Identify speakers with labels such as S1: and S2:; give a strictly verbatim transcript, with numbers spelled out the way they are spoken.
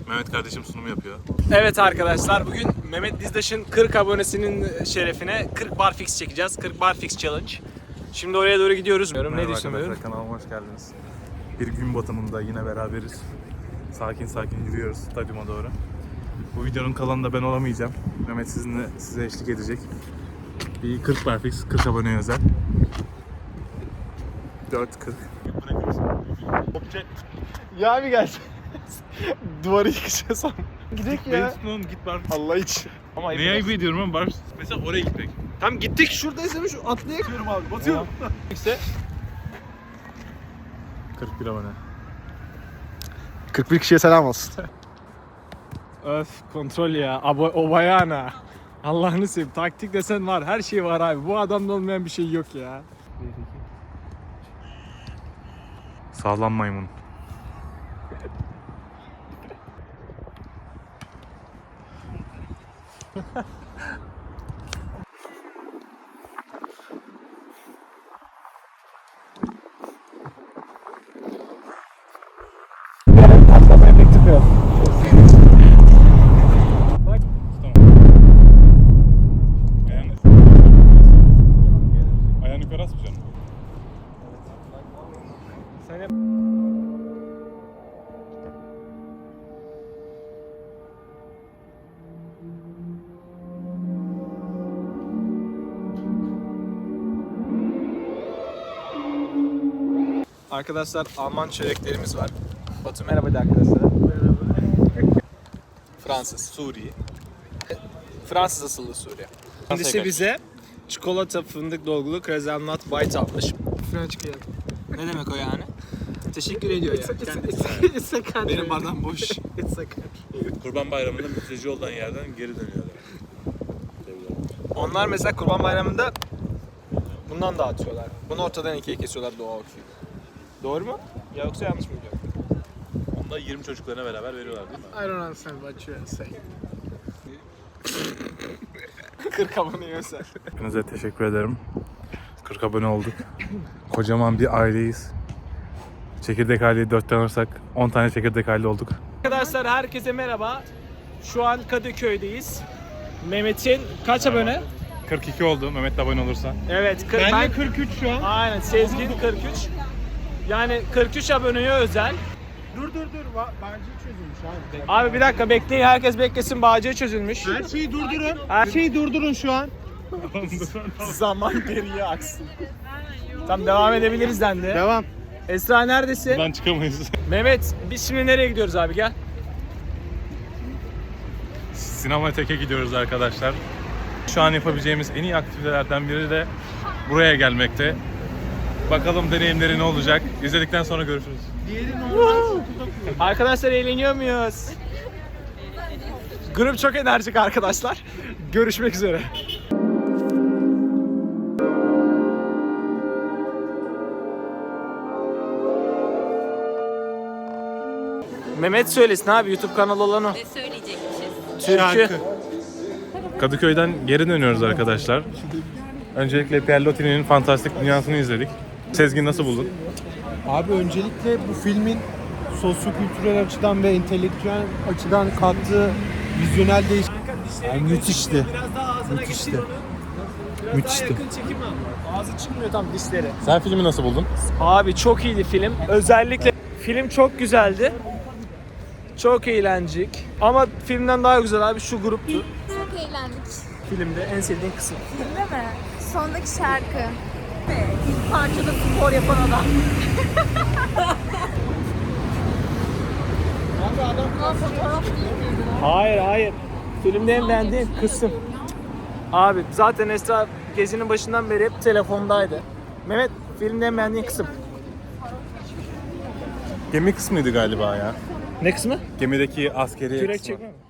S1: Mehmet kardeşim sunumu yapıyor.
S2: Evet arkadaşlar, bugün Mehmet Dizdaş'ın kırk abonesinin şerefine kırk barfix çekeceğiz. kırk barfix challenge. Şimdi oraya doğru gidiyoruz.
S1: Merhaba
S2: Ne düşünüyorum?
S1: arkadaşlar, kanalıma hoş geldiniz. Bir gün batımında yine beraberiz. Sakin sakin yürüyoruz stadyuma doğru. Bu videonun kalanında ben olamayacağım. Mehmet sizinle size eşlik edecek. Bir kırk barfix, kırk aboneye özel. dört kırk.
S2: Ya abi gel. Duvarı yıkacağız ama. Gidelim ya.
S1: Ben git barfix.
S2: Allah için. Ama
S1: Neye ayıp ediyorum ama barfix? Mesela oraya gitmek.
S2: Tam gittik, şuradayız değil mi? Şu atlayıp. Batıyorum abi, batıyorum. İşte.
S1: kırk bir abone.
S2: kırk bir kişiye selam olsun. Öf, kontrol ya. Abo obayana. Allah'ını seveyim. Taktik desen var. Her şey var abi. Bu adamda olmayan bir şey yok ya.
S1: Sağlam maymun.
S2: Patlama efekti yok.
S1: Ayağını, ayağını yukarı asmayacaksın.
S2: Sen hep... Arkadaşlar, Alman çöreklerimiz var. Batu merhaba de arkadaşlar. Merhaba. Fransız, Suriye. Fransız asıllı Suriye. Kendisi bize çikolata fındık dolgulu krezenlat bite atmış.
S3: French kıyam.
S2: Ne demek o yani? Teşekkür ediyor ya.
S3: It's a country.
S2: Benim bardağım boş.
S3: It's a country.
S1: Kurban Bayramı'nda mülteci olan yerden geri dönüyorlar.
S2: Onlar mesela Kurban Bayramı'nda bundan dağıtıyorlar. Bunu ortadan ikiye kesiyorlar doğa okuyor. Doğru mu? Ya yoksa yanlış mı biliyorum?
S1: Onda yirmi çocuklarına beraber veriyorlar değil mi?
S3: I don't understand what you're saying.
S2: kırk aboneye özel.
S1: Hepinize teşekkür ederim. kırk abone olduk. Kocaman bir aileyiz. Çekirdek aileyi dörtten alırsak on tane çekirdek aile olduk.
S2: Arkadaşlar herkese merhaba. Şu an Kadıköy'deyiz. Mehmet'in kaç abone?
S1: kırk iki oldu Mehmet de abone olursa.
S2: Evet, kırk,
S3: Ben,
S2: ben
S3: de kırk üç şu an.
S2: Aynen, Sezgin kırk üç. Yani kırk üç aboneye özel.
S3: Dur dur dur. Va- Bence çözülmüş abi.
S2: Abi bir dakika bekleyin, herkes beklesin, bağcığı çözülmüş.
S3: Her şeyi durdurun.
S2: Her-
S3: Her şeyi durdurun şu an.
S2: Zaman geriye aksın. Tamam, devam edebiliriz dendi.
S3: Devam.
S2: Esra neredesin?
S1: Buradan çıkamayız.
S2: Mehmet, biz şimdi nereye gidiyoruz abi, gel.
S1: Sinema Tek'e gidiyoruz arkadaşlar. Şu an yapabileceğimiz en iyi aktivitelerden biri de buraya gelmekte. Bakalım deneyimleri ne olacak? İzledikten sonra görüşürüz.
S2: Arkadaşlar, eğleniyor muyuz? Grup çok enerjik arkadaşlar. Görüşmek üzere. Mehmet söylesin abi, YouTube kanalı olan o.
S4: Ne söyleyecekmişiz?
S2: Türkü.
S1: Kadıköy'den geri dönüyoruz arkadaşlar. Öncelikle Pierre Loti'nin fantastik dünyasını izledik. Sezgin nasıl buldun?
S3: Abi öncelikle bu filmin sosyo-kültürel açıdan ve entelektüel açıdan kattığı vizyonel değişim yani müthişti. Müthişti. Müthişti.
S2: Yakın çekim al. Ağzı çıkmıyor tam, dişleri.
S1: Sen filmi nasıl buldun?
S2: Abi çok iyiydi film. Özellikle film çok güzeldi. Çok eğlenceli. Ama filmden daha güzel abi şu gruptu.
S5: Çok eğlendik.
S2: Filmde en sevdiğin kısım.
S5: Filmde mi? Sondaki şarkı.
S4: İlk parçada spor yapan adam.
S2: Hayır hayır. Filmde en beğendiğin kısım. Abi zaten Esra gezinin başından beri hep telefondaydı. Mehmet, filmde en beğendiğin kısım.
S1: Gemi kısmıydı galiba ya.
S2: Ne kısmı?
S1: Gemideki askeri
S2: Kürek
S1: kısmı.
S2: çekme mi?